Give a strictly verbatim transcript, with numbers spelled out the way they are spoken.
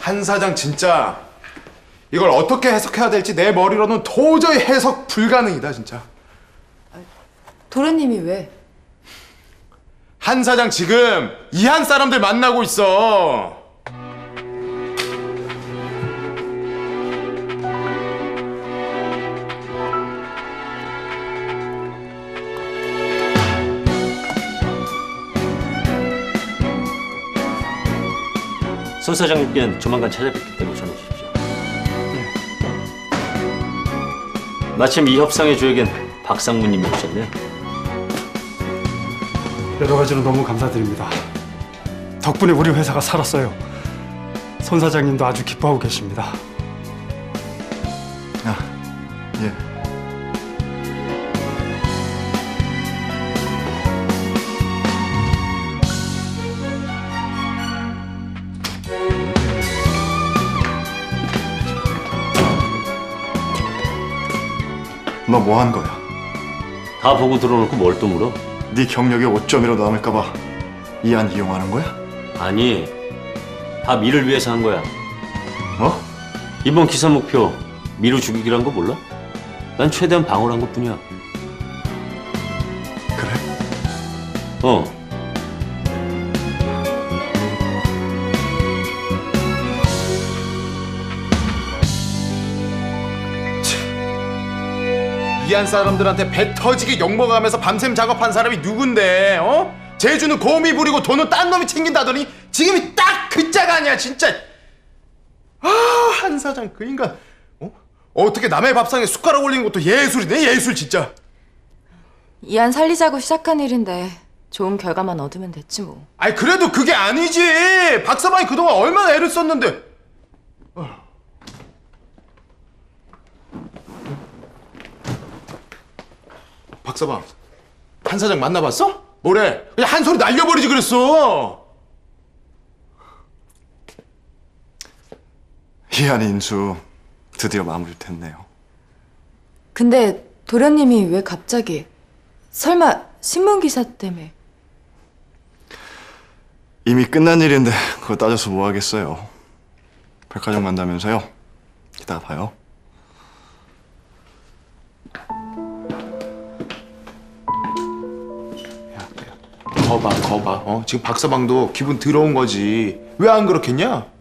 한 사장 진짜 이걸 어떻게 해석해야 될지 내 머리로는 도저히 해석 불가능이다 진짜. 도련님이 왜? 한 사장 지금 이한 사람들 만나고 있어. 손 사장님께는 조만간 찾아뵙겠다고 전해 주십시오. 마침 이 협상의 주역엔 박상무님이 오셨네요. 여러 가지로 너무 감사드립니다. 덕분에 우리 회사가 살았어요. 손 사장님도 아주 기뻐하고 계십니다. 아, 예. 너 뭐 한 거야? 다 보고 들어놓고 뭘 또 물어? 네 경력이 오점이라도 남을까봐 이한 이용하는 거야? 아니, 다 미를 위해서 한 거야. 뭐? 이번 기사 목표 미루 죽이기란 거 몰라? 난 최대한 방어를 한 것뿐이야. 그래? 어. 이한 사람들한테 배 터지게 욕먹어가면서 밤샘 작업한 사람이 누군데? 어? 제주는 곰이 부리고 돈은 딴 놈이 챙긴다더니 지금이 딱 그 짝 아니야 진짜. 아, 한 사장 그 인간 어? 어떻게 남의 밥상에 숟가락 올리는 것도 예술이네 예술 진짜. 이안 살리자고 시작한 일인데 좋은 결과만 얻으면 됐지 뭐. 아니 그래도 그게 아니지. 박사방이 그동안 얼마나 애를 썼는데. 어. 박사방, 한 사장 만나봤어? 뭐래? 그냥 한 소리 날려버리지 그랬어. 이한 인수 드디어 마무리됐네요. 근데 도련님이 왜 갑자기? 설마 신문기사 때문에? 이미 끝난 일인데 그거 따져서 뭐 하겠어요. 백화점 간다면서요? 이따가 봐요. 거봐, 거봐. 어? 지금 박사방도 기분 더러운 거지. 왜 안 그렇겠냐?